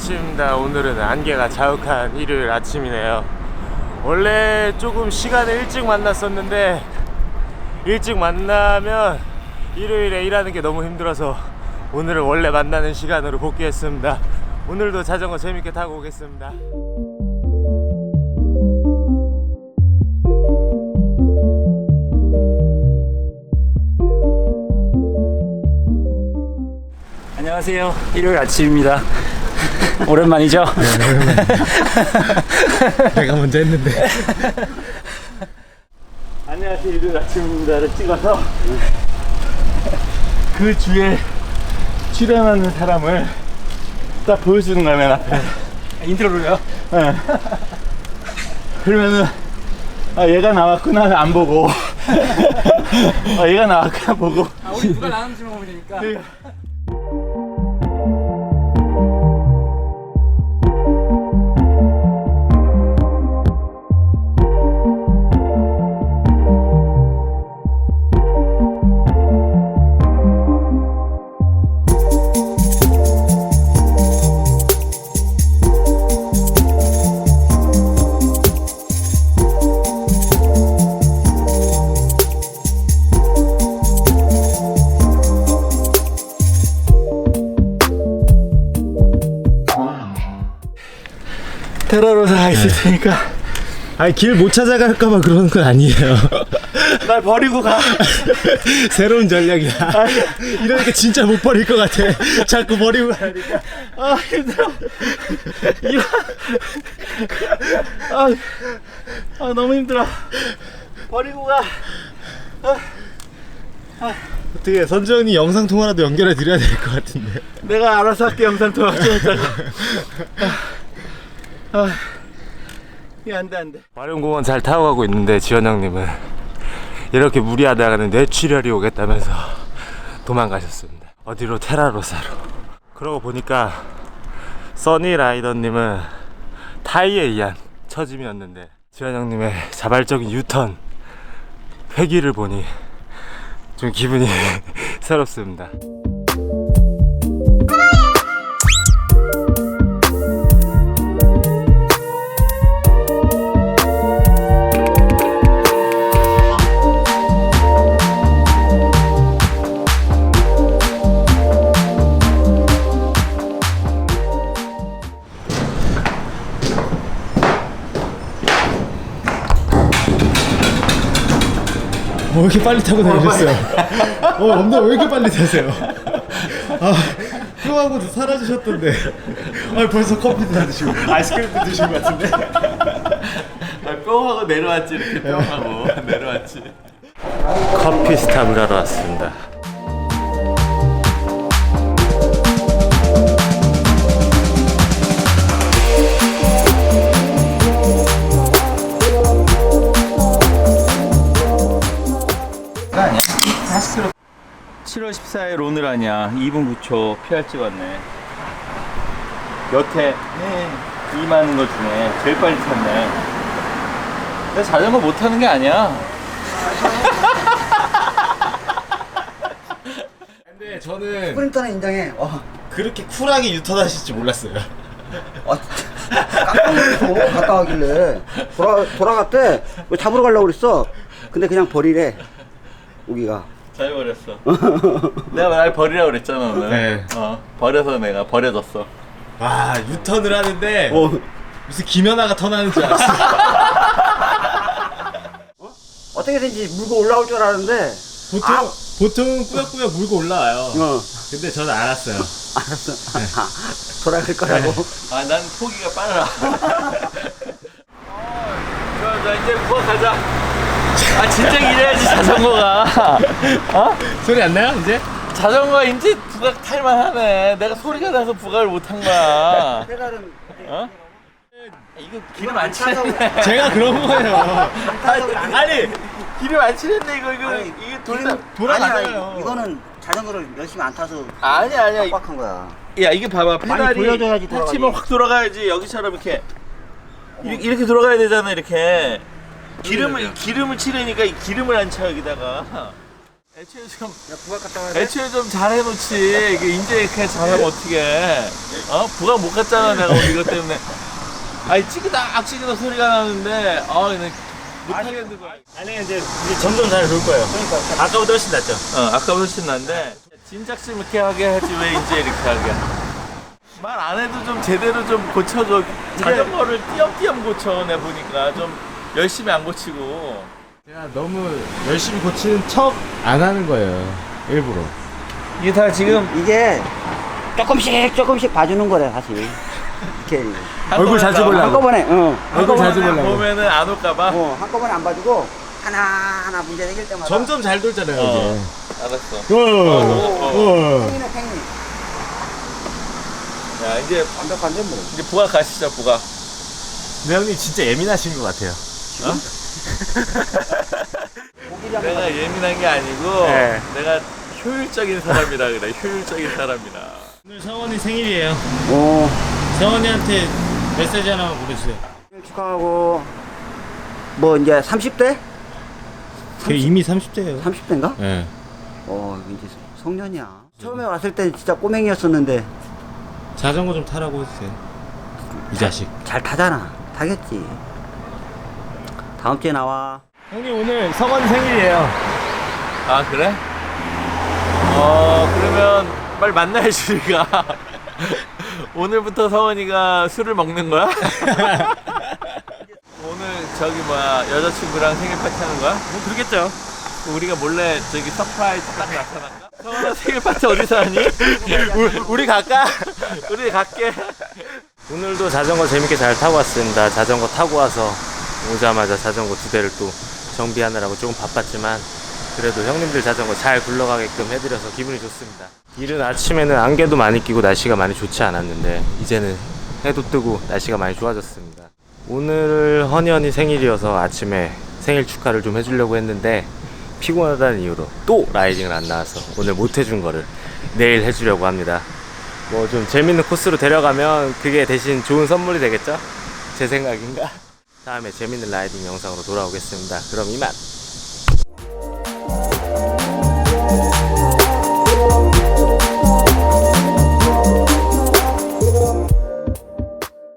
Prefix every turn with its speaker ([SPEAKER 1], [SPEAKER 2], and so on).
[SPEAKER 1] 아침입니다. 오늘은 안개가 자욱한 일요일 아침이네요. 원래 조금 시간을 일찍 만났었는데 일찍 만나면 일요일에 일하는 게 너무 힘들어서 오늘은 원래 만나는 시간으로 복귀했습니다. 오늘도 자전거 재밌게 타고 오겠습니다.
[SPEAKER 2] 안녕하세요. 일요일 아침입니다. 오랜만이죠?
[SPEAKER 1] 내가 먼저 했는데.
[SPEAKER 2] 안녕하세요. 일요일 아침입니다를 찍어서 그 주에 출연하는 사람을 딱 보여주는 거야, 맨 앞에. 인트로로요? 네. 그러면은 얘가 나왔구나 안 보고 얘가 나왔구나 보고
[SPEAKER 3] 우리 누가 나왔는지 보면 되니까.
[SPEAKER 2] 테라로사 있을 테니까
[SPEAKER 1] 아니 길 못 찾아갈까봐 그러는 건 아니에요.
[SPEAKER 2] 날 버리고 가.
[SPEAKER 1] 새로운 전략이야. 이러니까 진짜 못 버릴 것 같아. 자꾸 버리고 가니까.
[SPEAKER 2] 아 힘들어. 너무 힘들어. 버리고 가.
[SPEAKER 1] 어떻게 선정이 영상 통화라도 연결해 드려야 될 것 같은데.
[SPEAKER 2] 내가 알아서 할게. 영상 통화 좀 이따가. 이게 안돼.
[SPEAKER 1] 마룡공원 잘 타고 가고 있는데 지원 형님은 이렇게 무리하다가는 뇌출혈이 오겠다면서 도망가셨습니다. 어디로? 테라로사로. 그러고 보니까 써니라이더님은 타이에 의한 처짐이었는데 지원 형님의 자발적인 유턴 회귀를 보니 좀 기분이 새롭습니다. 왜 이렇게 빨리 타고 다니셨어요? 엄마 왜 이렇게 빨리 타세요? 뿅하고 사라지셨던데. 벌써 커피도 다 드시고 아이스크림도 드신 것 같은데.
[SPEAKER 2] 뿅하고 내려왔지. 이렇게 뿅하고 내려왔지.
[SPEAKER 1] 커피 스탑을 하러 왔습니다.
[SPEAKER 2] 아니야? 40km. 7월 14일 오늘 아니야. 2분 9초 PR 찍었네. 여태 임하는 것 중에 제일 빨리 탔네. 내가 자전거 못 타는 게 아니야.
[SPEAKER 1] 근데 저는
[SPEAKER 3] 스프린터는 인정해.
[SPEAKER 1] 그렇게 쿨하게 유턴하실 줄 몰랐어요.
[SPEAKER 3] 깜짝 놀라서 갔다 가길래 돌아갔대. 왜 잡으러 가려고 그랬어? 근데 그냥 버리래. 우기가.
[SPEAKER 2] 잘 버렸어. 내가 날 버리라고 그랬잖아 오늘.
[SPEAKER 1] 네.
[SPEAKER 2] 버려서 내가 버려졌어.
[SPEAKER 1] 와, 유턴을 하는데 무슨 김연아가 턴하는 줄 알았어.
[SPEAKER 3] 어떻게든지 물고 올라올 줄 알았는데.
[SPEAKER 1] 보통 꾸역꾸역 물고 올라와요. 근데 저는 알았어요.
[SPEAKER 3] 알았어. 돌아갈 거라고.
[SPEAKER 2] 난 포기가 빨라. 자 이제 부엌 가자. 진짜 이래야지 자전거가.
[SPEAKER 1] 소리 안 나요 이제?
[SPEAKER 2] 자전거가 이제 부각 탈만하네. 내가 소리가 나서 부각을 못한 거야.
[SPEAKER 3] 페달은
[SPEAKER 2] 이거 기름 안 칠했네.
[SPEAKER 1] 제가 그런 거예요.
[SPEAKER 2] 아니 기름 안 칠했네. 이거
[SPEAKER 3] 아니,
[SPEAKER 2] 돌아가잖아요.
[SPEAKER 3] 아니야, 이거는 자전거를 열심히 안 타서
[SPEAKER 2] 아니야.
[SPEAKER 3] 빡빡한 거야.
[SPEAKER 2] 야 이게 봐봐. 페달이
[SPEAKER 3] 돌려줘야지 돌아가지.
[SPEAKER 2] 터치면 확 돌아가야지. 여기처럼 이렇게 돌아가야 되잖아. 이렇게 기름을 칠하니까 이 기름을 안 차 여기다가.
[SPEAKER 4] 애초에 좀 잘해놓지. 이게 이제 이렇게 잘하면 어떡해. 부각 못 갔잖아, 내가 오늘 이것 때문에. 아니, 찌그닥 소리가 나는데, 그냥 못하겠는 거야.
[SPEAKER 2] 아니 이제 점점 잘 돌 거예요. 그러니까 아까보다 훨씬 낫죠.
[SPEAKER 4] 아까보다 훨씬 난데, 진작심 이렇게 하게 하지, 왜 이제 이렇게 하게. 말 안 해도 좀 제대로 좀 고쳐줘. 자전거를 띄엄띄엄 고쳐, 내 보니까. 좀 열심히 안 고치고.
[SPEAKER 1] 제가 너무 열심히 고치는 척 안 하는 거예요. 일부러.
[SPEAKER 4] 이게 다 지금
[SPEAKER 3] 이게 조금씩 봐주는 거래 사실. 이렇게
[SPEAKER 1] 얼굴 자주 보려고.
[SPEAKER 3] 한꺼번에
[SPEAKER 1] 얼굴 자주
[SPEAKER 4] 한꺼번에
[SPEAKER 1] 보려고.
[SPEAKER 4] 보면은 안 올까봐.
[SPEAKER 3] 한꺼번에 안 봐주고 하나 문제 생길 때마다
[SPEAKER 1] 점점 잘 돌잖아요,
[SPEAKER 4] 알았어.
[SPEAKER 1] 이제. 어.
[SPEAKER 3] 팽이네 팽이.
[SPEAKER 4] 야, 이제
[SPEAKER 3] 완벽한데 뭐.
[SPEAKER 4] 이제 부각 가시죠, 부각.
[SPEAKER 1] 근데 형님 진짜 예민하신 것 같아요.
[SPEAKER 4] 내가 예민한 게 아니고
[SPEAKER 1] 네.
[SPEAKER 4] 내가 효율적인 사람이라 그래. 효율적인 사람이라.
[SPEAKER 2] 오늘 성원이 생일이에요.
[SPEAKER 3] 오.
[SPEAKER 2] 성원이한테 메시지 하나만 보내주세요.
[SPEAKER 3] 생일 축하하고 뭐 이제 30대?
[SPEAKER 2] 이미 30대예요.
[SPEAKER 3] 30대인가?
[SPEAKER 2] 네.
[SPEAKER 3] 이제 성년이야. 처음에 왔을 때 진짜 꼬맹이였었는데
[SPEAKER 2] 자전거 좀 타라고 해주세요. 이 자식.
[SPEAKER 3] 잘 타잖아. 타겠지. 다음 주에 나와.
[SPEAKER 1] 형님 오늘 성원 생일이에요.
[SPEAKER 4] 아, 그래? 그러면 빨리 만나야지, 우리가. 오늘부터 서원이가 술을 먹는 거야? 오늘 여자친구랑 생일 파티 하는 거야?
[SPEAKER 2] 뭐 그러겠죠.
[SPEAKER 4] 우리가 몰래 서프라이즈 딱 나타날까? 서원아 생일 파티 어디서 하니?
[SPEAKER 1] 우리 갈까?
[SPEAKER 4] 우리 갈게.
[SPEAKER 1] 오늘도 자전거 재밌게 잘 타고 왔습니다. 자전거 타고 와서 오자마자 자전거 2대를 또 정비하느라고 조금 바빴지만 그래도 형님들 자전거 잘 굴러가게끔 해드려서 기분이 좋습니다. 이른 아침에는 안개도 많이 끼고 날씨가 많이 좋지 않았는데 이제는 해도 뜨고 날씨가 많이 좋아졌습니다. 오늘 헌현이 생일이어서 아침에 생일 축하를 좀 해주려고 했는데 피곤하다는 이유로 또 라이딩을 안 나와서 오늘 못 해준 거를 내일 해주려고 합니다. 뭐 좀 재밌는 코스로 데려가면 그게 대신 좋은 선물이 되겠죠? 제 생각인가? 다음에 재밌는 라이딩 영상으로 돌아오겠습니다. 그럼 이만!